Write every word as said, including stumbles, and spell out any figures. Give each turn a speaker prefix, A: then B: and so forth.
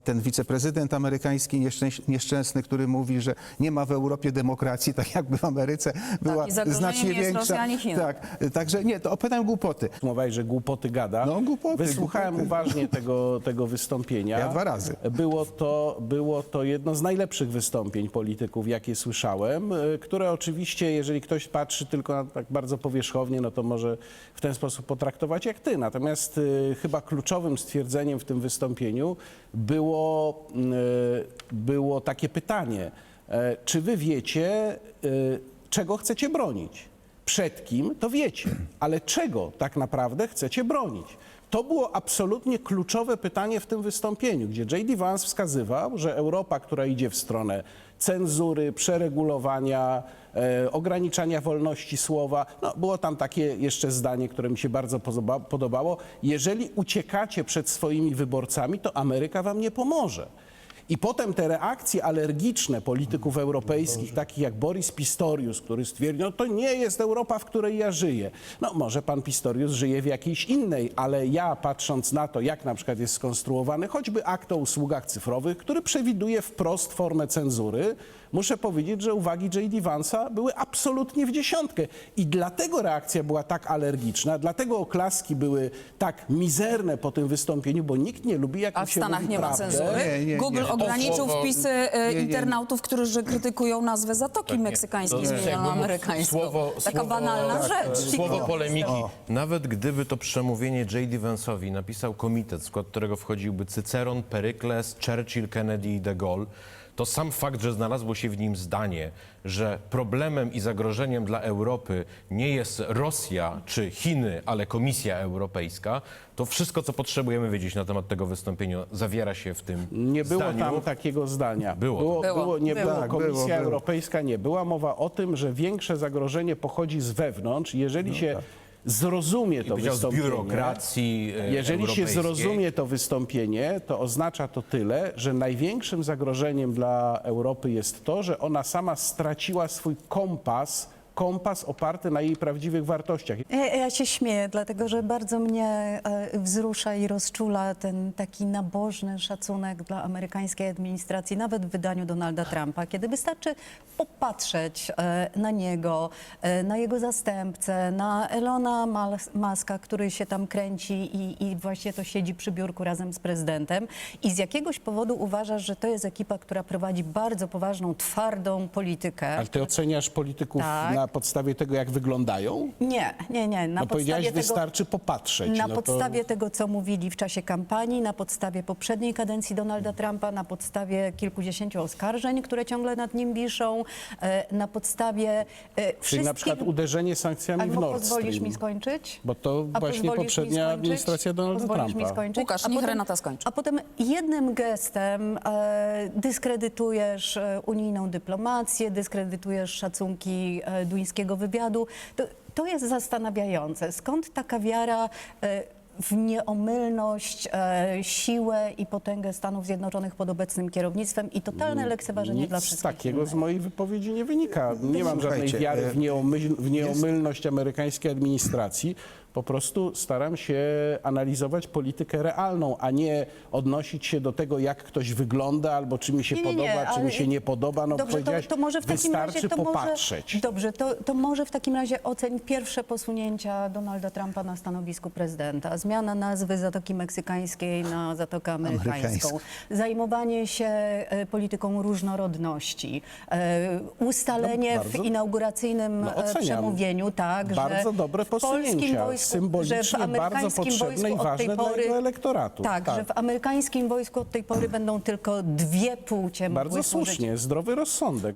A: Ten wiceprezydent amerykański nieszczęś- nieszczęsny, który mówi, że nie ma w Europie demokracji, tak jakby w Ameryce była
B: i zagrożeniem
A: znacznie
B: nie jest
A: większa.
B: Rosja ani Chiny.
A: Tak, także nie, to opowiadam głupoty.
C: Mówiłeś, że głupoty gada.
A: No, głupoty,
C: Wysłuchałem
A: głupoty.
C: uważnie tego, tego wystąpienia.
A: Ja dwa razy.
C: Było to, było to jedno z najlepszych wystąpień polityków, jakie słyszałem, y, które oczywiście, jeżeli ktoś patrzy tylko na tak bardzo powierzchownie, no to może w ten sposób potraktować jak ty. Natomiast y, chyba kluczowym stwierdzeniem w tym wystąpieniu było, y, było takie pytanie, y, czy wy wiecie, y, czego chcecie bronić? Przed kim, to wiecie, ale czego tak naprawdę chcecie bronić? To było absolutnie kluczowe pytanie w tym wystąpieniu, gdzie J D Vance wskazywał, że Europa, która idzie w stronę cenzury, przeregulowania, e, ograniczania wolności słowa, no było tam takie jeszcze zdanie, które mi się bardzo podoba, podobało, jeżeli uciekacie przed swoimi wyborcami, to Ameryka wam nie pomoże. I potem te reakcje alergiczne polityków europejskich, takich jak Boris Pistorius, który stwierdził, no to nie jest Europa, w której ja żyję. No może pan Pistorius żyje w jakiejś innej, ale ja patrząc na to, jak na przykład jest skonstruowany choćby akt o usługach cyfrowych, który przewiduje wprost formę cenzury, muszę powiedzieć, że uwagi J D Vance'a były absolutnie w dziesiątkę. I dlatego reakcja była tak alergiczna, dlatego oklaski były tak mizerne po tym wystąpieniu, bo nikt nie lubi, jak
B: A
C: mu
B: w
C: się
B: Stanach
C: mówi
B: nie ma
C: prawdę.
B: cenzury.
A: Nie, nie,
B: Google
A: nie.
B: ograniczył
D: To słowo-
B: wpisy e,
A: nie, nie.
B: internautów, którzy krytykują nazwę Zatoki Meksykańskiej
D: To jest
B: zmienioną
D: jakby
B: amerykańską.
D: słowo-
B: Taka
D: słowo-
B: banalna
D: tak,
B: rzecz.
D: Słowo polemiki.
E: Nawet gdyby to przemówienie J D Vance'owi napisał komitet, w skład którego wchodziłby Cyceron, Perykles, Churchill, Kennedy i de Gaulle, to sam fakt, że znalazło się w nim zdanie, że problemem i zagrożeniem dla Europy nie jest Rosja czy Chiny, ale Komisja Europejska, to wszystko, co potrzebujemy wiedzieć na temat tego wystąpienia, zawiera się w tym
C: Nie było
E: zdaniu.
C: tam takiego zdania.
E: Było.
C: Było,
B: Było.
C: było, nie
B: Było.
C: było.
A: Tak,
C: Komisja
A: było, było.
C: Europejska nie. Była mowa o tym, że większe zagrożenie pochodzi z wewnątrz. Jeżeli się zrozumie to
E: Powiedział z
C: wystąpienie,
E: biurokracji e,
C: jeżeli się
E: europejskiej.
C: zrozumie to wystąpienie, to oznacza to tyle, że największym zagrożeniem dla Europy jest to, że ona sama straciła swój kompas, kompas oparty na jej prawdziwych wartościach.
F: Ja, ja się śmieję, dlatego że bardzo mnie e, wzrusza i rozczula ten taki nabożny szacunek dla amerykańskiej administracji, nawet w wydaniu Donalda Trumpa, kiedy wystarczy popatrzeć e, na niego, e, na jego zastępcę, na Elona Mas- Muska, który się tam kręci i, i właśnie to siedzi przy biurku razem z prezydentem i z jakiegoś powodu uważasz, że to jest ekipa, która prowadzi bardzo poważną, twardą politykę.
C: Ale ty oceniasz polityków
F: Tak.
C: na podstawie tego, jak wyglądają?
F: Nie, nie, nie. Na
C: No powiedziałeś,
F: podstawie tego...
C: wystarczy popatrzeć.
F: Na
C: no to...
F: podstawie tego, co mówili w czasie kampanii, na podstawie poprzedniej kadencji Donalda Trumpa, na podstawie kilkudziesięciu oskarżeń, które ciągle nad nim wiszą, e, na podstawie e,
C: Czyli
F: wszystkich...
C: na przykład uderzenie sankcjami w
F: Albo
C: Nord
F: pozwolisz
C: Stream.
F: mi skończyć?
C: Bo to
F: A
C: właśnie
F: pozwolisz mi
C: poprzednia
F: skończyć?
C: administracja Donalda
F: Pozwolisz
C: Trumpa.
F: mi skończyć?
B: Łukasz,
F: A
B: niech
F: potem-
B: Renata skończy.
F: A potem jednym gestem e, dyskredytujesz e, unijną dyplomację, dyskredytujesz szacunki e, duńskiego wywiadu. To, to jest zastanawiające. Skąd taka wiara e, w nieomylność, e, siłę i potęgę Stanów Zjednoczonych pod obecnym kierownictwem i totalne lekceważenie dla
C: Nic
F: wszystkich
C: takiego
F: innych?
C: z mojej wypowiedzi nie wynika. Nie mam żadnej
A: Słuchajcie,
C: wiary
A: e,
C: w, nieomyl, w nieomylność amerykańskiej administracji. Po prostu staram się analizować politykę realną, a nie odnosić się do tego, jak ktoś wygląda, albo czy mi się
F: Nie, nie, nie,
C: podoba, czy
F: ale-
C: mi się nie podoba. No
F: Dobrze, to,
C: powiedziałaś,
F: to może w takim
C: wystarczy
F: razie to
C: popatrzeć.
F: Może, dobrze, to, to może w takim razie oceń pierwsze posunięcia Donalda Trumpa na stanowisku prezydenta. Zmiana nazwy Zatoki Meksykańskiej na Zatokę Amerykańską.
A: Amerykańską.
F: Zajmowanie się e, polityką różnorodności. E, ustalenie
C: No, bardzo-
F: w inauguracyjnym
C: No,
F: e,
C: oceniam.
F: przemówieniu, tak,
C: Bardzo
F: że
C: dobre
F: w polskim
C: posunięcia,
F: wojsku,
C: symbolicznie
F: że w
C: bardzo
F: amerykańskim
C: potrzebne
F: wojsku
C: i
F: od tej
C: ważne dla
F: pory,
C: jego elektoratu.
F: Tak,
C: Tak.
F: że w amerykańskim wojsku od tej pory będą tylko dwie płcie mogły
C: Bardzo
F: służyć.
C: słusznie, zdrowy rozsądek.